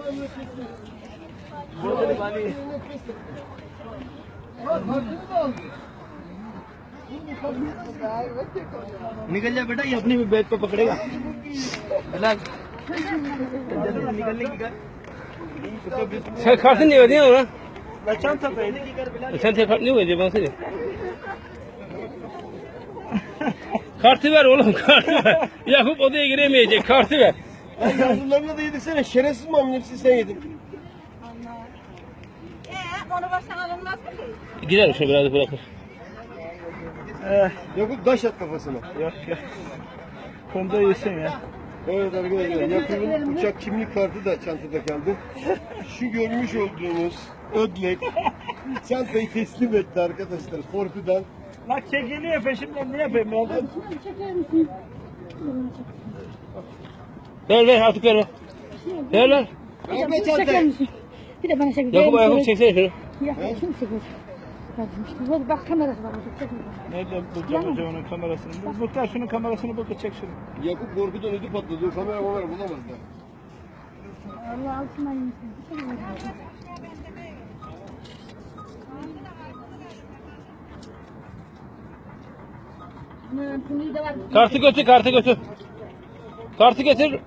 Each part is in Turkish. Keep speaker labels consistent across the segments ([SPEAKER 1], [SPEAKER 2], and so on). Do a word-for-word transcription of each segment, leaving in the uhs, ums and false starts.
[SPEAKER 1] निकल जा बेटा, ये अपनी बैग पे पकड़ेगा। निकलने की कर।
[SPEAKER 2] Kartı niye ödeyemem lan?
[SPEAKER 1] Çanta paydı ki कर बिला।
[SPEAKER 2] Sen kart niye ödeyeceksin bana söyle. Kartı ver oğlum, kartı ver. Yakup odaya giremeyecek, kartı ver.
[SPEAKER 1] Yavrularına da yedirsene, şerefsiz mamın hepsini sen yedin.
[SPEAKER 3] Ee, onu baştan alınmaz mı ki?
[SPEAKER 2] Gider şöyle biraz bırakır.
[SPEAKER 1] Eh, Yakup taş at kafasına.
[SPEAKER 4] Yok yok. Konuda yesin ya.
[SPEAKER 1] Evet arkadaşlar, Yakup'un uçak kimlik kartı da çantada kaldı. Şu görmüş olduğunuz ödlek çantayı teslim etti arkadaşlar korkudan.
[SPEAKER 4] Lan çekiliyor peşimden, ne yapayım ya?
[SPEAKER 3] Çeker misin?
[SPEAKER 2] Ver ver artık ver ver. Ver ver.
[SPEAKER 1] Bırakma
[SPEAKER 3] Çeker
[SPEAKER 1] çantayı.
[SPEAKER 3] misin? Bir de bana çek.
[SPEAKER 2] Yakup Yakup çeksene şunu.
[SPEAKER 3] Ya kim çekiyor? Bak, bak kamerası var burada. Çek.
[SPEAKER 4] Nereden bulacağım hocam onun kamerasını? Bu muhtar şunun kamerasını bul da çek şunu.
[SPEAKER 1] Yakup korkudan ödü patladı. O kamera kamera bulamazlar.
[SPEAKER 3] Allah altından yesin. Bunu da var.
[SPEAKER 2] Kartı götür, kartı götür. Kartı getir.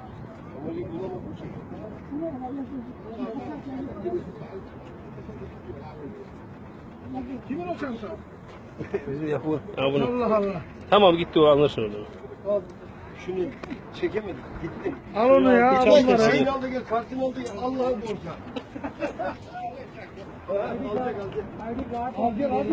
[SPEAKER 1] Kimin o çanta?
[SPEAKER 2] Bizim Yakup'un. Ha bunu.
[SPEAKER 1] Allah Allah.
[SPEAKER 2] Tamam gitti o, anlaşılır orada.
[SPEAKER 1] Al. Şunu çekemedik. Gitti.
[SPEAKER 4] Al onu ya.
[SPEAKER 1] Al
[SPEAKER 4] Al
[SPEAKER 1] gel,
[SPEAKER 4] onu.
[SPEAKER 1] şeyini aldı gel. Kartını aldı gel. Allah'ın borcu. Alacak alacak. Al gel al.